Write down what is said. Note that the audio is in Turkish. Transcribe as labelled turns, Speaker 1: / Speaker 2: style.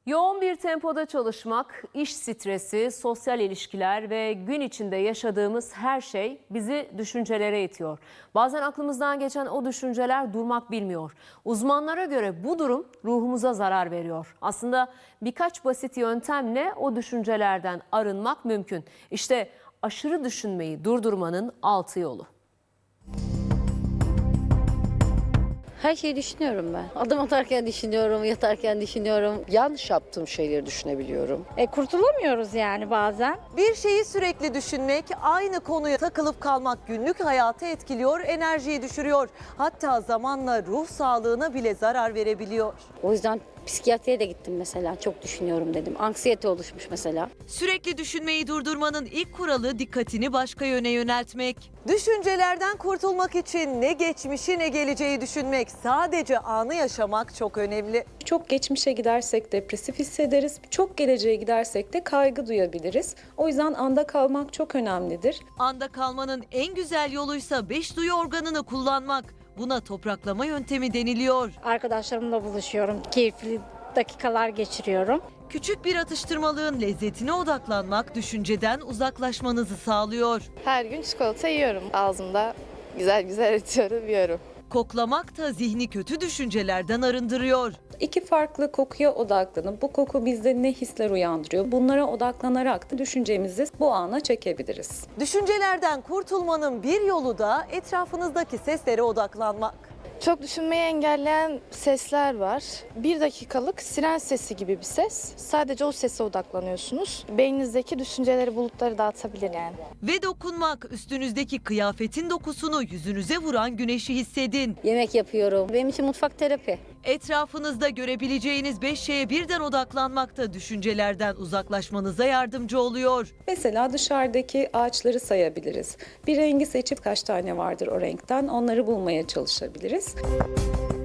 Speaker 1: Yoğun bir tempoda çalışmak, iş stresi, sosyal ilişkiler ve gün içinde yaşadığımız her şey bizi düşüncelere itiyor. Bazen aklımızdan geçen o düşünceler durmak bilmiyor. Uzmanlara göre bu durum ruhumuza zarar veriyor. Aslında birkaç basit yöntemle o düşüncelerden arınmak mümkün. İşte aşırı düşünmeyi durdurmanın 6 yolu.
Speaker 2: Her şeyi düşünüyorum ben. Adım atarken düşünüyorum, yatarken düşünüyorum.
Speaker 3: Yanlış yaptığım şeyleri düşünebiliyorum.
Speaker 4: Kurtulamıyoruz yani bazen.
Speaker 5: Bir şeyi sürekli düşünmek, aynı konuya takılıp kalmak günlük hayatı etkiliyor, enerjiyi düşürüyor. Hatta zamanla ruh sağlığına bile zarar verebiliyor.
Speaker 2: O yüzden psikiyatriye de gittim mesela. Çok düşünüyorum dedim. Anksiyete oluşmuş mesela.
Speaker 6: Sürekli düşünmeyi durdurmanın ilk kuralı dikkatini başka yöne yöneltmek.
Speaker 5: Düşüncelerden kurtulmak için ne geçmişi ne geleceği düşünmek, sadece anı yaşamak çok önemli.
Speaker 7: Çok geçmişe gidersek depresif hissederiz, çok geleceğe gidersek de kaygı duyabiliriz. O yüzden anda kalmak çok önemlidir.
Speaker 6: Anda kalmanın en güzel yoluysa 5 duyu organını kullanmak. Buna topraklama yöntemi deniliyor.
Speaker 4: Arkadaşlarımla buluşuyorum. Keyifli dakikalar geçiriyorum.
Speaker 6: Küçük bir atıştırmalığın lezzetine odaklanmak düşünceden uzaklaşmanızı sağlıyor.
Speaker 8: Her gün çikolata yiyorum. Ağzımda güzel güzel ötüyorum, yiyorum.
Speaker 6: Koklamak da zihni kötü düşüncelerden arındırıyor.
Speaker 7: İki farklı kokuya odaklanıp bu koku bizde ne hisler uyandırıyor? Bunlara odaklanarak da düşüncemizi bu ana çekebiliriz.
Speaker 5: Düşüncelerden kurtulmanın bir yolu da etrafınızdaki seslere odaklanmak.
Speaker 8: Çok düşünmeyi engelleyen sesler var. 1 dakikalık siren sesi gibi bir ses. Sadece o sese odaklanıyorsunuz. Beyninizdeki düşünceleri, bulutları dağıtabilir yani.
Speaker 6: Ve dokunmak, üstünüzdeki kıyafetin dokusunu yüzünüze vuran güneşi hissedin.
Speaker 2: Yemek yapıyorum. Benim için mutfak terapi.
Speaker 6: Etrafınızda görebileceğiniz 5 şeye birden odaklanmak da düşüncelerden uzaklaşmanıza yardımcı oluyor.
Speaker 7: Mesela dışarıdaki ağaçları sayabiliriz. Bir rengi seçip kaç tane vardır o renkten onları bulmaya çalışabiliriz.